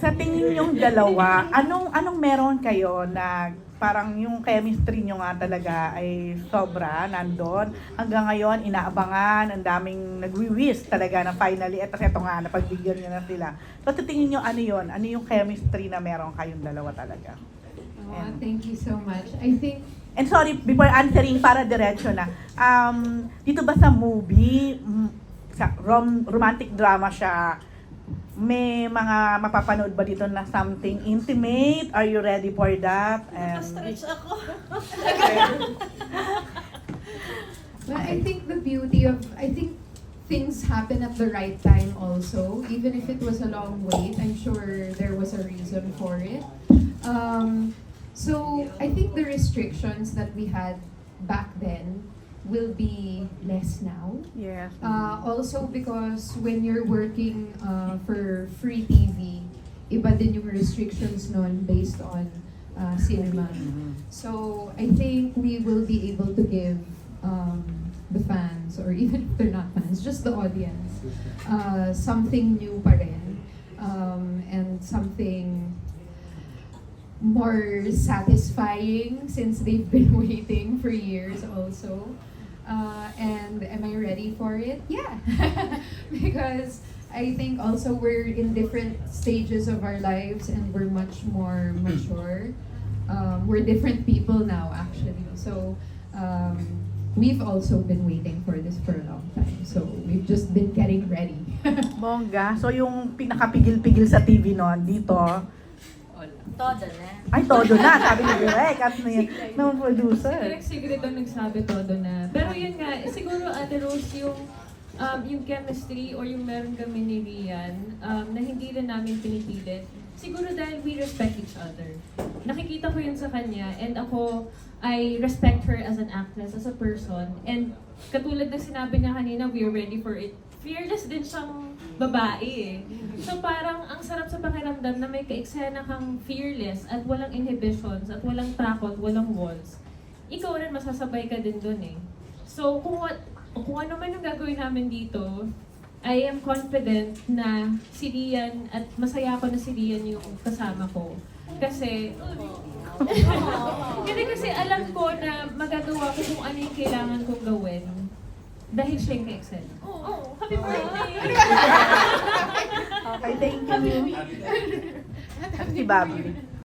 Sa tingin yung dalawa, anong meron kayo na parang yung chemistry nyo nga talaga ay sobra, nandun. Hanggang ngayon, inaabangan, ang daming nagwi-wish talaga na finally, eto nga, napagbigyan nyo na sila. So, sa tingin nyo, ano yun? Ano yung chemistry na meron kayong dalawa talaga? Oh, thank you so much. I think And sorry, before answering, para diretso na. Dito ba sa movie, sa romantic drama siya, may mga mapapanood ba dito na something intimate? Are you ready for that? Nakastretch ako. Well, I think the beauty of, I think things happen at the right time also. Even if it was a long wait, I'm sure there was a reason for it. So I think the restrictions that we had back then will be less now. Yes. Also because when you're working for free TV, iba din yung restrictions nun based on cinema. So I think we will be able to give the fans, or even if they're not fans, just the audience, something new pa rin, and something more satisfying since they've been waiting for years also. And am I ready for it? Yeah. Because I think also we're in different stages of our lives and we're much more mature. We're different people now actually. So we've also been waiting for this for a long time. So we've just been getting ready. Bongga. So yung pinakapigil-pigil sa TV noon, dito, Todo na. ay, todo na, sabi ni Direk, at ng producer. Direct Secret ang nagsabi todo na. Pero yun nga, siguro Ate Rose, yung chemistry or yung meron kami ni Rian na hindi rin namin pinipilit. Siguro dahil we respect each other. Nakikita ko yun sa kanya and ako, I respect her as an actress, as a person. And katulad ng sinabi niya kanina, we're ready for it. Fearless din siyang babae eh. So parang ang sarap sa pakiramdam na may ka-eksena kang fearless at walang inhibitions at walang takot, walang walls. Ikaw rin masasabay ka din dun eh. So kung ano man yung gagawin namin dito, I am confident na si Rian at masaya ako na si Rian yung kasama ko. Kasi hindi kasi alam ko na magagawa ko kung ano yung kailangan kong gawin. Dahil siya yung ka-excel. Oh, happy birthday! Okay, thank you. Si Bobby.